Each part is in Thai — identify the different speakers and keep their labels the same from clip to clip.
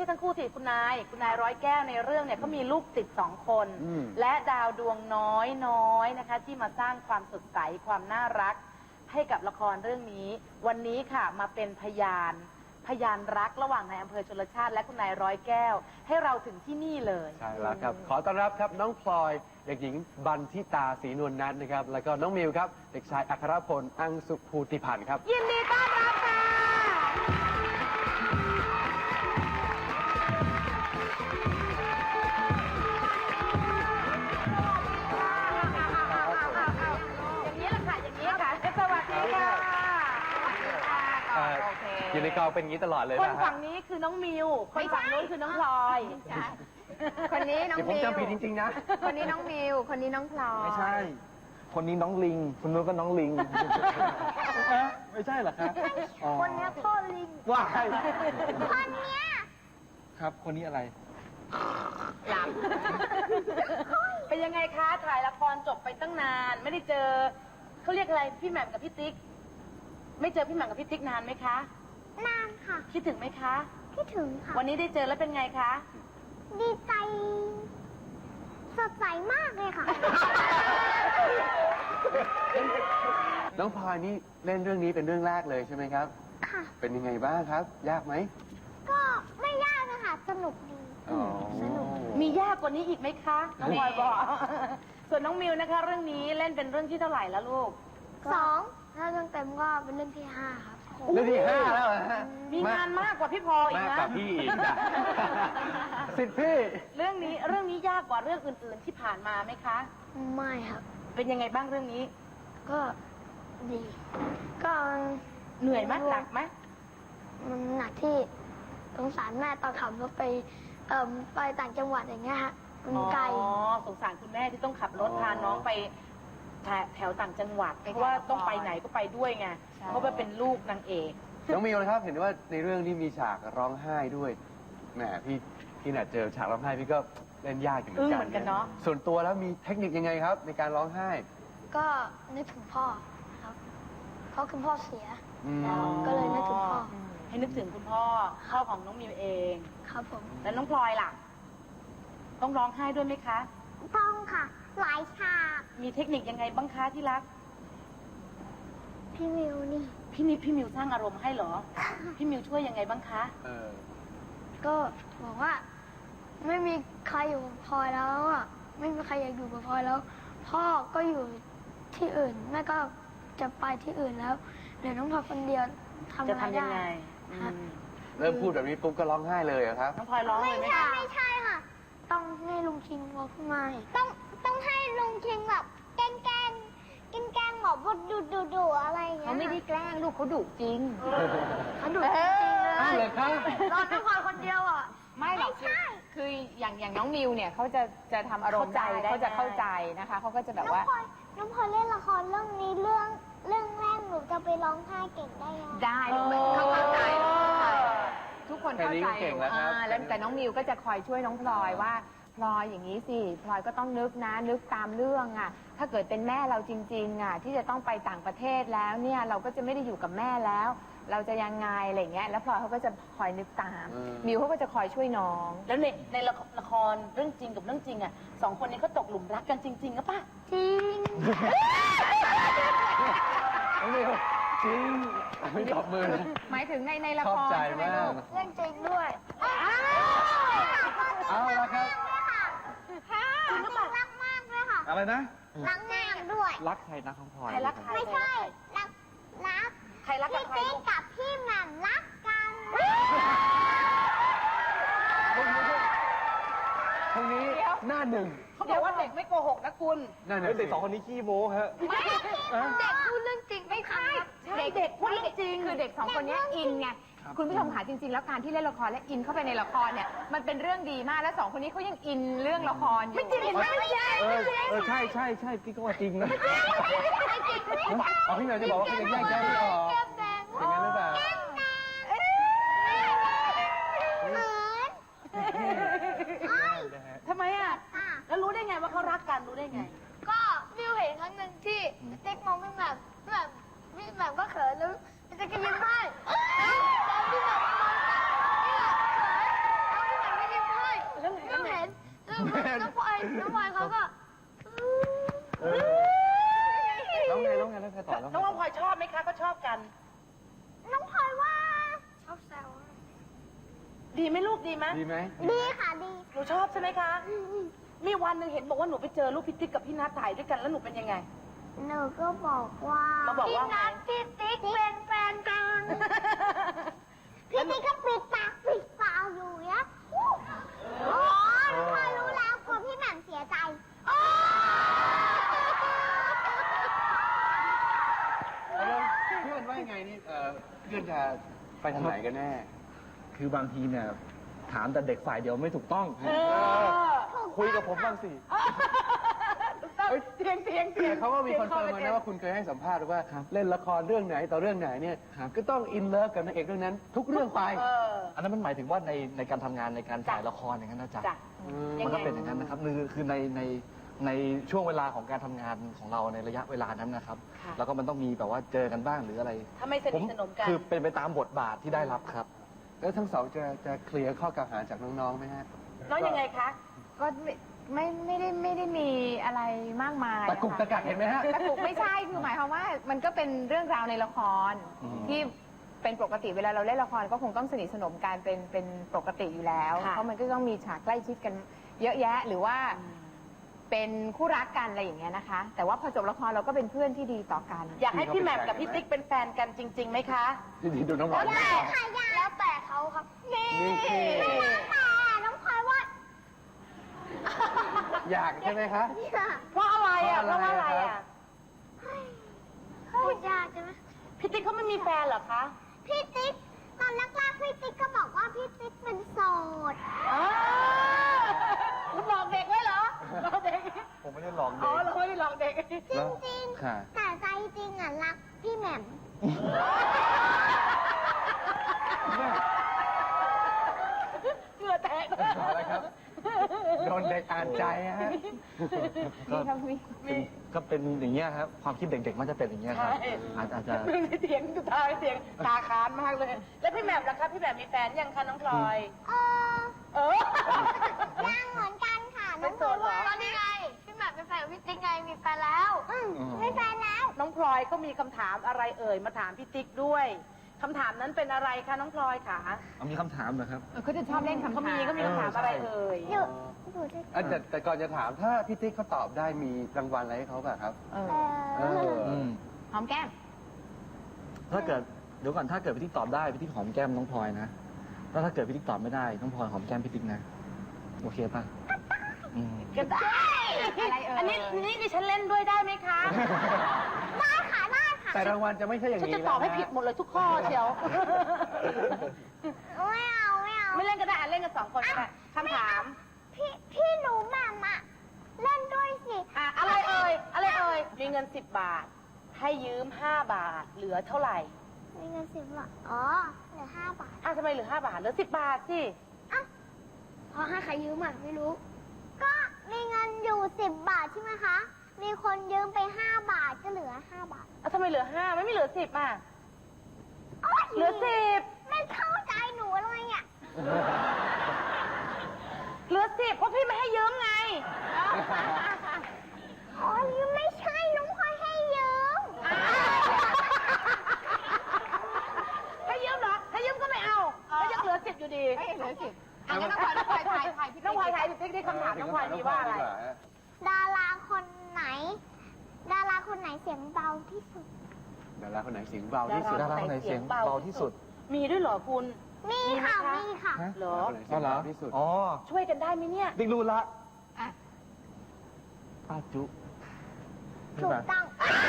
Speaker 1: ช่ทั้งคู่สิคุณนายร้อยแก้วในเรื่องเนี่ยเขามีลูกติด2 คนและดาวดวงน้อยนะคะที่มาสร้างความสดใสความน่ารักให้กับละครเรื่องนี้วันนี้ค่ะมาเป็นพยานรักระหว่างนายอำเภอชลชาติและคุณนายร้อยแก้วให้เราถึงที่นี่เลย
Speaker 2: ใช่แล้วครับขอต้อนรับครับน้องพลอยเด็กหญิงบันทิตาศรีนวลนัทนะครับแล้วก็น้องมิวครับเด็กชายอัครพลอังสุภูติพันธ์ครับ
Speaker 1: ยินดีต้อนรับค่ะอย่างนี้แหละค่ะอย่างนี้ค่ะสวัสดีค่ะ
Speaker 2: อยู่ในกองเป็นอย่างนี้ตลอดเลยนะ
Speaker 1: คนฝั่งนี้คือน้องมิวคนฝั่งนู้นคือน้องพลอย
Speaker 3: คนนี้น้องมิว
Speaker 2: ผมจำผิดจริงๆนะ
Speaker 3: คนนี้น้องมิวคนนี้น้องพลอย
Speaker 4: ไม่ใช่คนนี้น้องลิงคนนู้นก็น้องลิงไม่ใช่เหรอครับ
Speaker 3: คนนี้พ่อลิง
Speaker 4: ว้าย
Speaker 3: คนเนี้ย
Speaker 4: ครับคนนี้อะไร
Speaker 1: หลับเป็นยังไงคะถ่ายละครจบไปตั้งนานไม่ได้เจอเขาเรียกอะไรพี่แหม่มกับพี่ติ๊กไม่เจอพี่แหม่มกับพี่ติ๊กนานไหมคะ
Speaker 3: นานค่ะ
Speaker 1: คิดถึงไหมคะ
Speaker 3: คิดถึงค่ะ
Speaker 1: วันนี้ได้เจอแล้วเป็นไงคะ
Speaker 3: ดีใจสดใสมากเลยค่ะ
Speaker 2: น้องพลอยนี่เล่นเรื่องนี้เป็นเรื่องแรกเลยใช่ไหมครับ
Speaker 3: ค่ะ
Speaker 2: เป็นยังไงบ้างครับยากไหม
Speaker 3: ก็ไม่ยากนะคะสนุกดี
Speaker 1: สนุกมียากกว่านี้อีกไหมคะน้องพลอยบอกส่วนน้องมิวนะคะเรื่องนี้เล่นเป็นเรื่องที่เท่าไหร่แล้วลูก
Speaker 3: 2ถ้าเรื่องเต็มก็เป็นเรื่องที่5ครับ
Speaker 2: เรื่องที่5แล้วฮะ
Speaker 1: มีงานมากกว่าพี่พลอยอีกนะ
Speaker 2: มากกว่าพี่อีกสิทธิ์พี่
Speaker 1: เรื่องนี้ยากกว่าเรื่องอื่นๆที่ผ่านมาไหมคะ
Speaker 3: ไม่ครับ
Speaker 1: เป็นยังไงบ้างเรื่องนี้
Speaker 3: ก็ดีก็
Speaker 1: เหนื่อยไหมหนักไหม
Speaker 3: มันหนักที่สงสารแม่ตอนขับรถไปต่างจังหวัดอย่างเงี้ยฮะมันไกล
Speaker 1: สงสารคุณแม่ที่ต้องขับรถพาน้องไปแถวต่างจังหวัดเพราะว่าต้องไปไหนก็ไปด้วยไงเพราะว่าเป็นลูกนางเอก
Speaker 2: น้องมิวนะครับเห็นว่าในเรื่องที่มีฉากร้องไห้ด้วยแหมพี่น่ะเจอฉากร้องไห้พี่ก็เล่นยากอยู่เหมือนกัน
Speaker 1: เนาะ
Speaker 2: ส่วนตัวแล้วมีเทคนิคยังไงครับในการร้องไห้
Speaker 3: ก็นึกถึงพ่อครับเพราะคุณพ่อเสียก็เลยนึกถึงพ่อ
Speaker 1: ให้นึกถึงคุณพ่อของน้องมิวเอง
Speaker 3: ครับผม
Speaker 1: แล้วน้องพลอยล่ะต้องร้องไห้ด้วยไหมคะ
Speaker 3: ต้องค่ะหลายฉาก
Speaker 1: มีเทคนิคยังไงบ้างคะที่รัก
Speaker 3: พี่มิวนี่
Speaker 1: พี่มิวสร้างอารมณ์ให้เหรอพี่มิวช่วยยังไงบ้างคะ
Speaker 3: ก็บอกว่าไม่มีใครอยู่กับพลอยแล้วอ่ะไม่มีใครอยากอยู่กับพลอยแล้วพ่อก็อยู่ที่อื่นแม่ก็จะไปที่อื่นแล้วเดี๋ยวน้องพลอยคนเดียว
Speaker 1: จะทำยังไง
Speaker 2: เริ่มพูดแบบนี้ปุ๊บก็ร้องไห้เลยครับ
Speaker 1: น้องพลอยร้องเลยไหมคะ
Speaker 3: ไม่ใช่ค่ะต้องให้ลุงคิงบอกขึ้นมาต้องให้ลุงคิงแบบแกล้งบอกว่าดุอะไรอย่างเงี้ย
Speaker 1: เขาไม่ได้แกล้งลูกเขาดุจริง
Speaker 3: เขาดุจริงเลย
Speaker 2: เลยครับ
Speaker 3: รอน้องพลอยคนเดียวอ่ะ
Speaker 5: ไม่หรอกคืออย่างน้องมิวเนี่ยเขาจะทำอารมณ์ได้เขาจะเข้าใจนะคะเขาก็จะแบบว่า
Speaker 3: น้องพลอยเล่นละครเรื่องนี้เรื่องแรกหนูจะไปร้องไห้เก่งได้ยัง
Speaker 5: ได้เขาเข้าใจทุกคนเข้าใจแล้วแต่น้องมิวก็จะคอยช่วยน้องพลอยว่าพลอยอย่างนี้สิพลอยก็ต้องนึกตามเรื่องอ่ะถ้าเกิดเป็นแม่เราจริงๆอ่ะที่จะต้องไปต่างประเทศแล้วเนี่ยเราก็จะไม่ได้อยู่กับแม่แล้วเราจะยังไงอะไรเงี้ยแล้วพลอยเขาก็จะคอยนึกตามมิวเขาก็จะคอยช่วยน้อง
Speaker 1: แล้วในละครเรื่องจริงกับเรื่องจริงอ่ะ2 คนนี้เขาตกหลุมรักกันจริงๆหรือเปล่า
Speaker 3: จริง
Speaker 2: น้องมิวจริงไม่ตบมือ
Speaker 5: หมายถึงในละคร
Speaker 2: ใช่ไหมลูก
Speaker 3: เรื่องจริงด้วย
Speaker 2: เอาละครับ
Speaker 3: คุณรักมากด้วยค่ะ
Speaker 4: อะไรนะ
Speaker 3: รักมากด้วย
Speaker 4: รักใครนะของพลอย
Speaker 3: ไม่ใช่รัก
Speaker 1: ใครรักกับใคร
Speaker 3: พี่ติ๊กกับพี่แหม่มรักกัน
Speaker 2: ตรงนี้หน้าหนึ่ง
Speaker 1: เขาบอกว่าเด็กไม่โกหกนะคุณ
Speaker 4: เด็ก2 คนนี้ขี้โม้ฮะ
Speaker 3: ไม่เด็กพูดเรื่องจริงไม่ใช่
Speaker 1: เด็กพูดเรื่องจริง
Speaker 5: คือเด็ก2 คนนี้อินไงคุณผู้ชมค่ะจริงๆแล้วการที่เล่นละครและอินเข้าไปในละครเนี่ยมันเป็นเรื่องดีมากและ2 คนนี้เขายังอินเรื่องละครอยู่
Speaker 1: ไม่จริงไม่ใช่
Speaker 4: ใช่พี่ก็ว่าจริงนะ
Speaker 2: พี่เหมียวจะบอกว่าเขาจะแยกแยะไม่ออกอย่างนั้นหรือเปล่า
Speaker 1: ทำไมอ่ะแล้วรู้ได้ไงว่าเขารักกันรู้ได้ไง
Speaker 3: ก็วิวเห็นครั้งหนึ่งที่ติ๊กมองพี่แหม่มก็เขินแล้วจะกินยิ้มให้พี่แหม่มมองพี่แหม่มเขินน้องพลอยเขาก็
Speaker 4: แล้วไงแล้วใครต่อแล้ว
Speaker 1: น้องพลอยชอบไหมคะก็ชอบกัน
Speaker 3: น้องพลอยว่าชอบแซว
Speaker 1: ดีไหมลูกดีไหม
Speaker 2: ดีไหม
Speaker 3: ดีค่ะดี
Speaker 1: หนูชอบใช่ไหมคะ มีวันหนึ่งเห็นบอกว่าหนูไปเจอลูกพี่ติ๊กกับพี่นัทถ่ายด้วยกันแล้วหนูเป็นยังไง
Speaker 3: หนูก็บอกว่า
Speaker 1: มาบอกว่าไง
Speaker 3: พี่นัทพี่ติ๊กเป็นแฟนกัน พี่ติ๊กก็ปิดปากปิดปากอยู่เนี่ยอ๋อน้องพลอยรู้แล้วกลัวพี่แหม่มเสียใจ
Speaker 2: แล้วเพื่อนว่ายังไงนี่เพื่อนจะไปทางไหนกันแน่
Speaker 4: คือบางทีเนี่ยถามแต่เด็กฝ่ายเดียวไม่ถูกต้อง คุยกับผมบ้างสิ
Speaker 1: เสียง
Speaker 2: แต่เขาก็มีคอนเฟิร์มมานะว่าคุณเคยให้สัมภาษณ์ว่า
Speaker 4: ครับ
Speaker 2: เล่นละครเรื่องไหนต่อเรื่องไหนเนี่ย
Speaker 4: ครับ
Speaker 2: ก็ต้องอินเลิฟกับนางเอกเรื่องนั้น ทุกเรื่องไป
Speaker 4: อันนั้นมันหมายถึงว่าในการทำงานในการถ่ายละครอย่างนั้นนะจ๊ะ
Speaker 1: จ้ะ
Speaker 4: มันก็เป็นอย่างนั้นนะครับคือในช่วงเวลาของการทำงานของเราในระยะเวลานั้นนะครับ
Speaker 1: ค่ะ
Speaker 4: แล้วก็มันต้องมีแบบว่าเจอกันบ้างหรืออะไร
Speaker 1: ถ้าไม่สนิทสนมกัน
Speaker 4: คือเป็นไปตามบทบาทที่ได้รับครับ
Speaker 2: แล้วทั้งสองจะเคลียร์ข้อกล่าวหาจากน้องๆไหมฮะ
Speaker 1: น้องยังไงคะ
Speaker 5: ก็ไม่ได้มีอะไรมากมาย
Speaker 2: ตะกุกตะกักเห็นไหมฮะ
Speaker 5: ตะกุกไม่ใช่คือหมายความว่ามันก็เป็นเรื่องราวในละคร
Speaker 4: อืม
Speaker 5: ที่เป็นปกติเวลาเราเล่นละครก็คงต้องสนิทสนมกันเป็นปกติอยู่แล้ว
Speaker 1: ค่ะ
Speaker 5: เพราะมันก็ต้องมีฉากใกล้ชิดกันเยอะแยะ หรือว่าเป็นคู่รักกันอะไรอย่างเงี้ยนะคะ แต่ว่าพอจบละครเราก็เป็นเพื่อนที่ดีต่อกัน
Speaker 1: อยากให้พี่แหม่มกับพี่ติ๊กเป็นแฟนกันจริงๆไหมคะ
Speaker 2: ดีๆดูน้องหวาน
Speaker 3: แล้วแต่ค่ะแล้วแต่เขาครับ นี่
Speaker 2: นี่
Speaker 3: แต่น้องพลอยว่า
Speaker 2: อยากใช่ไหมคะ
Speaker 1: เพราะอะไรอ่ะ
Speaker 2: เพ
Speaker 1: เพ
Speaker 2: ราะ
Speaker 1: ราะ
Speaker 2: อะ
Speaker 1: ว่า
Speaker 2: ไร
Speaker 1: อะไร
Speaker 2: ครั
Speaker 1: อ่ะ
Speaker 2: บ
Speaker 3: พูดยากใช่ไหม
Speaker 1: พี่ติ๊กเขาไม่มีแฟนเหรอคะ
Speaker 3: พี่ติ๊กตอนแรกๆพี่ติ๊กก็บอกว่าพี่ติ๊กเป็นโสด
Speaker 1: คุณหลอกเด็กไว้เหรอหลอกเด็ก
Speaker 4: ผมไม่ได้หลอก
Speaker 1: อ๋
Speaker 4: เด็
Speaker 1: อก เราไม่ได้หลอกเด็ก
Speaker 3: จริง
Speaker 4: ค่ะ
Speaker 3: ๆ แต่ใจจริงอ่ะรักพี่แหม่ม
Speaker 1: เกลือแตก
Speaker 2: อะไรครับ โดนเด็กอ่านใจฮะ
Speaker 5: มีครับมี
Speaker 4: ก็เป็นอย่างเงี้ยครับ ความคิดเด็กๆมันจะเป็นอย่างเงี้ยครับ
Speaker 1: ใช่
Speaker 4: อาจจะ
Speaker 1: เรื่องที่เถียงสุดท้ายเถียงตาค้านมากเลย แล้วพี่แหม่มล่ะคะพี่แหม่มมีแฟนยังคะน้องพลอย เออ
Speaker 3: ยังเหมือนกันค่ะ
Speaker 1: เป็
Speaker 3: น้อน ง
Speaker 1: โส
Speaker 3: พลอ
Speaker 1: ด
Speaker 3: ย
Speaker 1: เหรอ
Speaker 3: ว่าตอนนี้ไง พี่แหม่มเป็นแฟนกับพี่ติ๊กไง มีแฟนแล้วมีแฟนแล้ว
Speaker 1: น้องพลอยก็มีคำถามอะไรเอ่ยมาถามพี่ติ๊กด้วยคำถามนั้นเป็นอะไรคะน้องพลอยคะ
Speaker 4: เอามีคำถามเหรอครับ
Speaker 5: เขาจะชอบเล่นคำถาม
Speaker 1: เขามีคำถามอะไรเอ่ย
Speaker 3: อยู่อยู่ด้วย
Speaker 2: แต่ก่อนจะถามถ้าพี่ติ๊กเขาตอบได้มีรางวัลอะไรให้เขาแบบครับ
Speaker 5: เออ
Speaker 2: เออ
Speaker 4: อืม
Speaker 5: หอมแก้ม
Speaker 4: ถ้าเกิดเดี๋ยวก่อนถ้าเกิดพี่ติ๊กตอบได้พี่ติ๊กหอมแก้มน้องพลอยนะแล้วถ้าเกิดพี่ติ๊กตอบไม่ได้น้องพลอยหอมแก้มพี่ติ๊กนะโอเคป่ะอืม
Speaker 1: ก็ได้
Speaker 5: อะไรเอ่ย
Speaker 1: อันนี้ดิฉันเล่นด้วยได้ไหมคะ
Speaker 3: ได้ค่ะได้ค่ะ
Speaker 2: แต่รางวัลจะไม่ใช่อย่าง
Speaker 1: ฉัน
Speaker 2: นี้
Speaker 1: จะตอบให้
Speaker 2: น
Speaker 1: ผิดหมดเลยทุกข้อเชียว
Speaker 3: ไม่เอาไม่เอา
Speaker 1: ไม่เล่นก็ได้อ่ะเล่นกันสองคนก็ได้คำถาม
Speaker 3: พี่หนูแหม่มอะเล่นด้วยสิ
Speaker 1: อ่ะอะไรเอ่ยอะไรเอ่ยมีเงิน10 บาท ให้ยืม5 บาทเหลือเท่าไหร่
Speaker 3: มีเงิน10 บาท อ๋อ เหลือ5 บาท
Speaker 1: อ่ะทำไมเหลือ5 บาทเหลือ10 บาทสิ
Speaker 3: พอให้ใครยืมอ่ะไม่รู้ ก็มีเงินอยู่10 บาทใช่ไหมคะ มีคนยืมไป5 บาทก็เหลือ5 บาท
Speaker 1: อ่ะทำไมเหลือ5ไม่เหลือ10อ่ะ
Speaker 3: โอ๊ย
Speaker 1: เหลือ10
Speaker 3: ไม่เข้าใจหนูเลยอ่ะ
Speaker 1: เหลือ10เพราะพี่ไม่ให้ยืมไง
Speaker 3: อ๋อยืมไม่ใช่น้องพลอยให้ยืม
Speaker 1: ให้ยืมเหรอให้ยืมก็ไม่เอาแล้วยังเหลือ10อยู่ดี
Speaker 5: ไม่เหลือสิบอันนี้น้องพลอยถ่ายพี่
Speaker 1: น้องพลอยถ่ายพี่ติ๊กได้คำถามน้องพลอยมีว่าอะไร
Speaker 3: ดาราคนไหน ดาราคนไหนเสียงเบาที่สุด
Speaker 2: ดาราคนไหนเสียงเบาที่สุด
Speaker 4: ดาราคนไหนเสียงเบาที่สุด
Speaker 1: มีด้วยเหรอคุณ
Speaker 3: มีค่ะ
Speaker 1: มีไหมคะ
Speaker 3: มีค่ะ
Speaker 4: ฮะ
Speaker 1: เหรอ
Speaker 2: ดาราคนไหนเสียงเบาที่สุด
Speaker 4: อ๋อ
Speaker 1: ช่วยกันได้ไหมเนี่ย
Speaker 4: ติ๊กรู้ละ
Speaker 5: อ่ะ
Speaker 4: ป้าจุ
Speaker 3: ถูกต้อง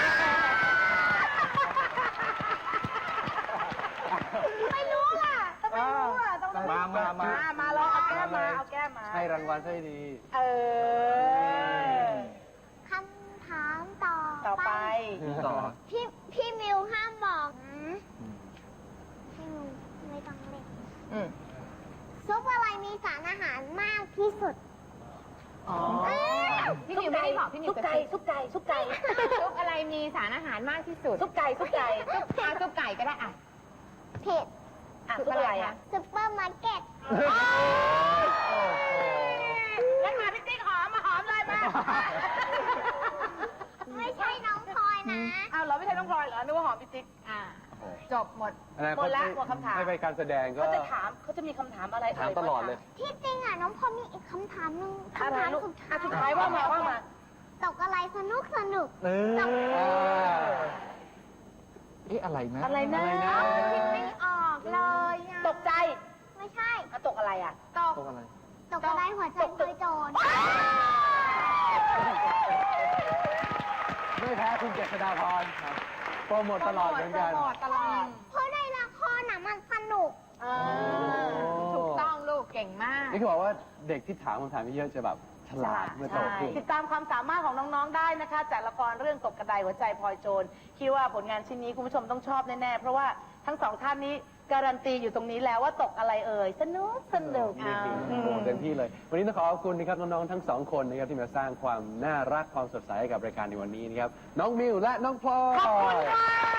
Speaker 3: ไม่รู้อ่ะ
Speaker 1: ต้องไม่รู้อ่ะต้องไม่รู้ มาลองเอาแก้มมาเอาแก้มมา
Speaker 2: ให้รางวัลซะดี
Speaker 1: เออ
Speaker 3: คำถามต่อ
Speaker 1: ต่อไป
Speaker 4: ต่อ
Speaker 3: พี่มิวห้ามบอกนะพี่มิวไม่ต้องเล่น
Speaker 5: อืม
Speaker 3: ซุปอะไรมีสารอาหารมากที่สุด
Speaker 1: อ๋อ
Speaker 5: พี่นิวไม่ได้บอกพี่นิว
Speaker 1: ซุปไก่ซุปไก่ซุปไก่
Speaker 5: ซุปอะไรมีสารอาหารมากที่สุด
Speaker 1: ซุปไก่ซุปไก่
Speaker 5: ซุปไก่ก็ได้อ่ะ
Speaker 3: ผิด
Speaker 1: อ่ะซุปอะไรอ่ะ
Speaker 3: ซุปเปอร์มาร์เก็ต
Speaker 1: งั้นมาพี่
Speaker 6: ไม่ใช่น้องพลอยนะ
Speaker 1: อ้าวเหรอไม่ใช่น้องพลอยเหรอนึกว่าหอมพี่ติ๊ก
Speaker 5: จบหมด
Speaker 2: อนาค
Speaker 1: หม
Speaker 2: ต
Speaker 1: ดละหมดคำถาม
Speaker 2: ให้ไปการแสดงก็
Speaker 1: เขาจะถามเขาจะมีคำถามอะไร
Speaker 4: ถามตลอดเลย
Speaker 6: ที่จริงอ่ะน้องพลอยมีอีกคำถามหนึ่ง
Speaker 1: อะไร
Speaker 6: คำถาม
Speaker 1: ลูก
Speaker 6: สุด
Speaker 1: อ่ะ
Speaker 6: ท้าย
Speaker 1: สุดท้ายว่ามาว่ามา
Speaker 6: ตกอะไรสนุกสนุก
Speaker 4: เอ๊ะอะไรนะ
Speaker 1: อะไรนะ
Speaker 5: คิดไม่ออกเลยอะ
Speaker 1: ตกใจ
Speaker 6: ไม่ใช่
Speaker 1: อ่ะตกอะไรอ่ะ
Speaker 5: ตก
Speaker 4: ตกอะไร
Speaker 6: ตกอะไรหัวใจเคยโจร
Speaker 2: ไม่แพ้คุณเจษฎาพรครับโปรโมทตลอดเหมือนกัน
Speaker 5: โปรโมทตลอด
Speaker 6: เพราะในละครน่ะมันสนุก
Speaker 5: ถูกต้องลูกเก่งมาก
Speaker 2: นี่คือบอกว่าเด็กที่ถามคำถามเยอะๆจะแบบฉลาดเมื่อโตขึ้น
Speaker 1: ติดตามความสามารถของน้องๆได้นะคะ จากละครเรื่องตกกระไดหัวใจพลอยโจรคิดว่าผลงานชิ้นนี้คุณผู้ชมต้องชอบแน่ๆ เพราะว่าทั้งสองท่านนี้การันตีอยู่ตรงนี้แล้วว่าตกอะไรเอ่ยสนุกสนุก
Speaker 2: นี่คือโอ้โหเต็มที่เลย วันนี้ต้องขอขอบคุณนะครับน้องๆทั้งสองคนนะครับที่มาสร้างความน่ารักความสดใสให้กับรายการในวันนี้นะครับน้องมิวและน้องพลอย
Speaker 1: ขอบคุณค่ะ